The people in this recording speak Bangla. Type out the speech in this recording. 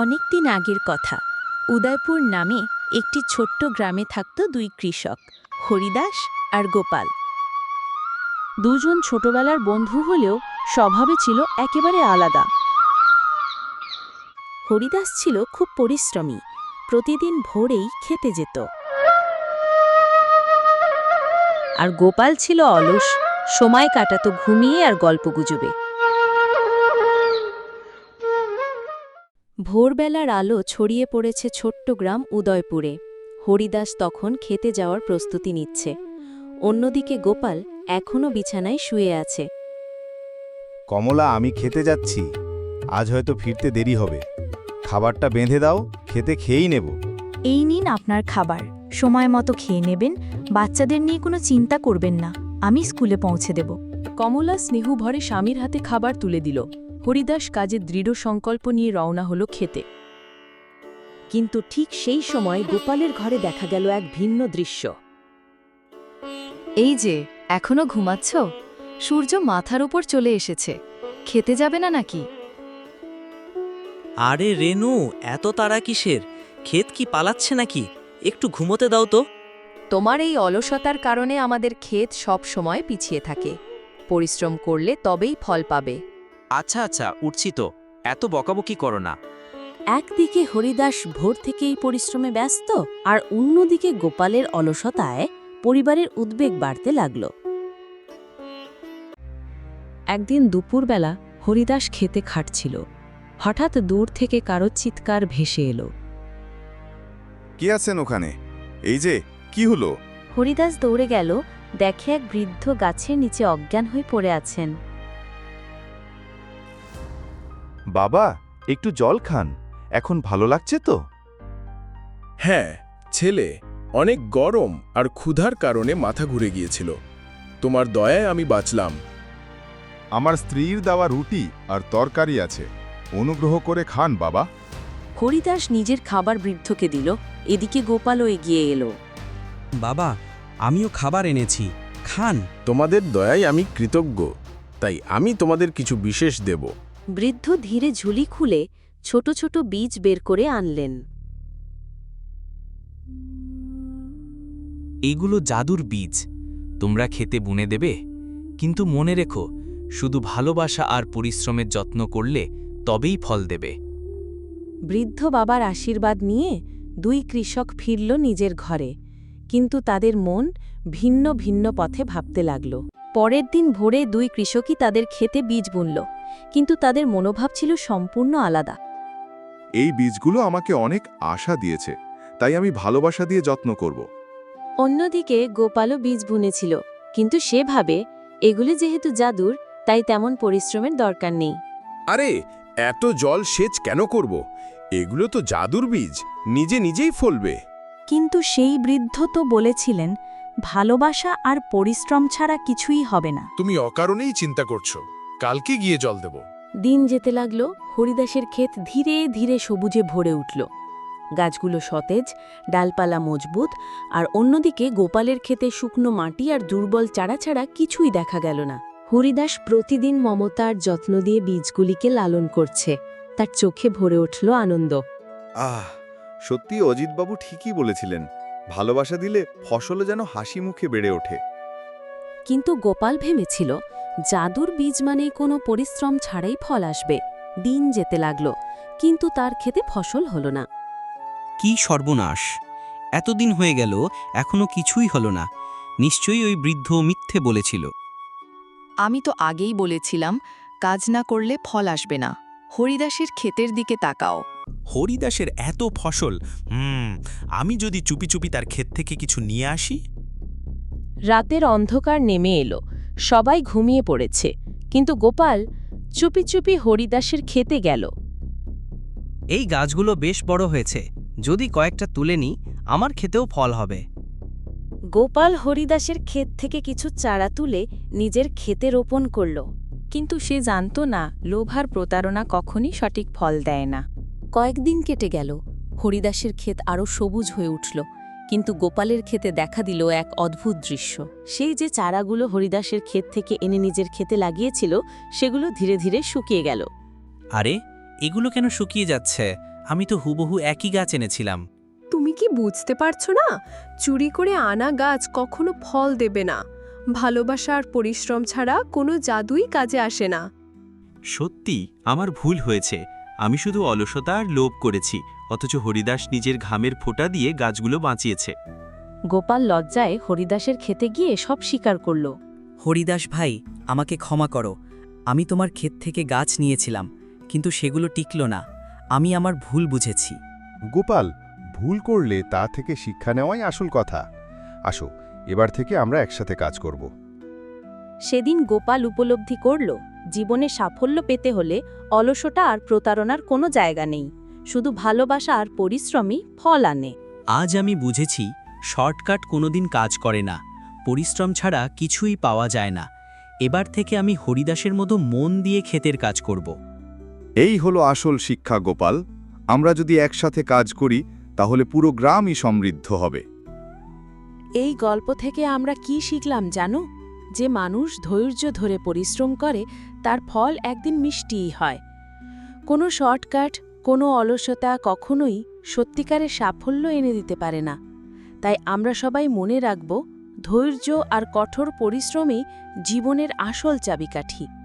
অনেকদিন আগের কথা। উদয়পুর নামে একটি ছোট্ট গ্রামে থাকত দুই কৃষক, হরিদাস আর গোপাল। দুজন ছোটবেলার বন্ধু হলেও স্বভাবে ছিল একেবারে আলাদা। হরিদাস ছিল খুব পরিশ্রমী, প্রতিদিন ভোরেই খেতে যেত। আর গোপাল ছিল অলস, সময় কাটাতো ঘুমিয়ে আর গল্পগুজবে। ভোরবেলার আলো ছড়িয়ে পড়েছে ছোট্ট গ্রাম উদয়পুরে। হরিদাস তখন খেতে যাওয়ার প্রস্তুতি নিচ্ছে। অন্যদিকে গোপাল এখনও বিছানায় শুয়ে আছে। কমলা, আমি খেতে যাচ্ছি। আজ হয়তো ফিরতে দেরি হবে। খাবারটা বেঁধে দাও, খেতে খেয়েই নেব। এই নিন আপনার খাবার, সময় মতো খেয়ে নেবেন। বাচ্চাদের নিয়ে কোনো চিন্তা করবেন না, আমি স্কুলে পৌঁছে দেব। কমলা স্নেহভরে স্বামীর হাতে খাবার তুলে দিল। হরিদাস কাজের দৃঢ় সংকল্প নিয়ে রওনা হলো খেতে। কিন্তু ঠিক সেই সময় গোপালের ঘরে দেখা গেল এক ভিন্ন দৃশ্য। এই যে, এখনো ঘুমাচ্ছ? সূর্য মাথার উপর চলে এসেছে, খেতে যাবে না নাকি? আরে রেনু, এত তাড়া কিসের? ক্ষেত কি পালাচ্ছে নাকি? একটু ঘুমোতে দাও তো। তোমার এই অলসতার কারণে আমাদের ক্ষেত সব সময় পিছিয়ে থাকে। পরিশ্রম করলে তবেই ফল পাবে। আচ্ছা আচ্ছা, উঠছি তো, এত বকাবকি করো না। একদিকে হরিদাস ভোর থেকেই পরিশ্রমে ব্যস্ত, আর অন্যদিকে গোপালের অলসতায় পরিবারের উদ্বেগ বাড়তে লাগল। একদিন দুপুরবেলা হরিদাস খেতে খাটছিল। হঠাৎ দূর থেকে কারো চিৎকার ভেসে এলো। কে আছেন ওখানে? এই যে, কি হলো? হরিদাস দৌড়ে গেল, দেখে এক বৃদ্ধ গাছের নিচে অজ্ঞান হয়ে পড়ে আছেন। বাবা, একটু জল খান। এখন ভালো লাগছে তো? হ্যাঁ, ছেলে, অনেক গরম আর ক্ষুধার কারণে মাথা ঘুরে গিয়েছিল। তোমার দয়ায় আমি বাঁচলাম। আমার স্ত্রীর দেওয়া রুটি আর তরকারি আছে, অনুগ্রহ করে খান বাবা। হরিদাস নিজের খাবার বৃদ্ধকে দিল। এদিকে গোপালও এগিয়ে এলো। বাবা, আমিও খাবার এনেছি, খান। তোমাদের দয়ায় আমি কৃতজ্ঞ, তাই আমি তোমাদের কিছু বিশেষ দেব। বৃদ্ধ ধীরে ঝুলি খুলে ছোট ছোট বীজ বের করে আনলেন। এইগুলো জাদুর বীজ, তোমরা খেতে বুনে দেবে। কিন্তু মনে রেখো, শুধু ভালোবাসা আর পরিশ্রমের যত্ন করলে তবেই ফল দেবে। বৃদ্ধ বাবার আশীর্বাদ নিয়ে দুই কৃষক ফিরল নিজের ঘরে, কিন্তু তাদের মন ভিন্ন ভিন্ন পথে ভাবতে লাগল। পরের দিন ভোরে দুই কৃষকই তাদের খেতে বীজ বুনল, কিন্তু তাদের মনোভাব ছিল সম্পূর্ণ আলাদা। এই বীজগুলো আমাকে অনেক আশা দিয়েছে, তাই আমি ভালোবাসা দিয়ে যত্ন করব। অন্যদিকে গোপালও বীজ বুনেছিল, কিন্তু সে ভাবে এগুলি যেহেতু জাদুর, তাই তেমন পরিশ্রমের দরকার নেই। আরে, এত জল সেচ কেন করব? এগুলো তো জাদুর বীজ, নিজে নিজেই ফলবে। কিন্তু সেই বৃদ্ধ তো বলেছিলেন, ভালোবাসা আর পরিশ্রম ছাড়া কিছুই হবে না। তুমি অকারণেই চিন্তা করছো, কালকে গিয়ে জল দেব। দিন যেতে লাগল, হরিদাসের ক্ষেত ধীরে ধীরে সবুজে ভরে উঠল। গাছগুলো সতেজ, ডালপালা মজবুত, আর অন্যদিকে গোপালের ক্ষেতে শুকনো মাটি আর দুর্বল চারা ছাড়া কিছুই দেখা গেল না। হরিদাস প্রতিদিন মমতার যত্ন দিয়ে বীজগুলিকে লালন করছে। তার চোখে ভরে উঠল আনন্দ। সত্যি অজিতবাবু ঠিকই বলেছিলেন, ভালোবাসা দিলে ফসলও যেন হাসি মুখে বেড়ে ওঠে। কিন্তু গোপাল ভেবেছিল, জাদুর বীজ মানে কোনো পরিশ্রম ছাড়াই ফল আসবে। দিন যেতে লাগল, কিন্তু তার ক্ষেতে ফসল হল না। কি সর্বনাশ! এতদিন হয়ে গেল, এখনো কিছুই হলো না। নিশ্চয়ই ওই বৃদ্ধ মিথ্যে বলেছিল। আমি তো আগেই বলেছিলাম, কাজ না করলে ফল আসবে না। হরিদাসের ক্ষেতের দিকে তাকাও। হরিদাসের এত ফসল, আমি যদি চুপি চুপি তার ক্ষেত থেকে কিছু নিয়ে আসি। রাতের অন্ধকার নেমে এলো, সবাই ঘুমিয়ে পড়েছে, কিন্তু গোপাল চুপি চুপি হরিদাসের খেতে গেল। এই গাছগুলো বেশ বড় হয়েছে, যদি কয়েকটা তুলে নিই, আমার খেতেও ফল হবে। গোপাল হরিদাসের ক্ষেত থেকে কিছু চারা তুলে নিজের ক্ষেতে রোপণ করল। কিন্তু সে জানত না, লোভ আর প্রতারণা কখনই সঠিক ফল দেয় না। কয়েকদিন কেটে গেল, হরিদাসের ক্ষেত আরও সবুজ হয়ে উঠল, কিন্তু গোপালের ক্ষেতে দেখা দিল এক অদ্ভুত দৃশ্য। সেই যে চারাগুলো হরিদাসের ক্ষেত থেকে এনে নিজের ক্ষেতে লাগিয়েছিল, সেগুলো ধীরে ধীরে শুকিয়ে গেল। আরে, এগুলো কেন শুকিয়ে যাচ্ছে? আমি তো হুবহু একই গাছ এনেছিলাম। তুমি কি বুঝতে পারছো না? চুরি করে আনা গাছ কখনো ফল দেবে না। ভালোবাসা আর পরিশ্রম ছাড়া কোনো জাদুই কাজে আসে না। সত্যি আমার ভুল হয়েছে। আমি শুধু অলসতা আর লোভ করেছি, অথচ হরিদাস নিজের ঘামের ফোঁটা দিয়ে গাছগুলো বাঁচিয়েছে। গোপাল লজ্জায় হরিদাসের খেতে গিয়ে সব স্বীকার করল। হরিদাস ভাই, আমাকে ক্ষমা করো। আমি তোমার ক্ষেত থেকে গাছ নিয়েছিলাম, কিন্তু সেগুলো টিকল না। আমি আমার ভুল বুঝেছি। গোপাল, ভুল করলে তা থেকে শিক্ষা নেওয়াই আসল কথা। আসো, এবার থেকে আমরা একসাথে কাজ করব। সেদিন গোপাল উপলব্ধি করল, জীবনে সাফল্য পেতে হলে অলসতা আর প্রতারণার কোনো জায়গা নেই, শুধু ভালোবাসা আর পরিশ্রমই ফল আনে। আজ আমি বুঝেছি, শর্টকাট কোনোদিন কাজ করে না। পরিশ্রম ছাড়া কিছুই পাওয়া যায় না। এবার থেকে আমি হরিদাসের মতো মন দিয়ে ক্ষেতের কাজ করব। এই হলো আসল শিক্ষা গোপাল। আমরা যদি একসাথে কাজ করি তাহলে পুরো গ্রামই সমৃদ্ধ হবে। এই গল্প থেকে আমরা কি শিখলাম জানো? যে মানুষ ধৈর্য ধরে পরিশ্রম করে তার ফল একদিন মিষ্টিই হয়। কোনো শর্টকাট, কোনো অলসতা কখনোই সত্যিকারের সাফল্য এনে দিতে পারে না। তাই আমরা সবাই মনে রাখব, ধৈর্য আর কঠোর পরিশ্রমই জীবনের আসল চাবিকাঠি।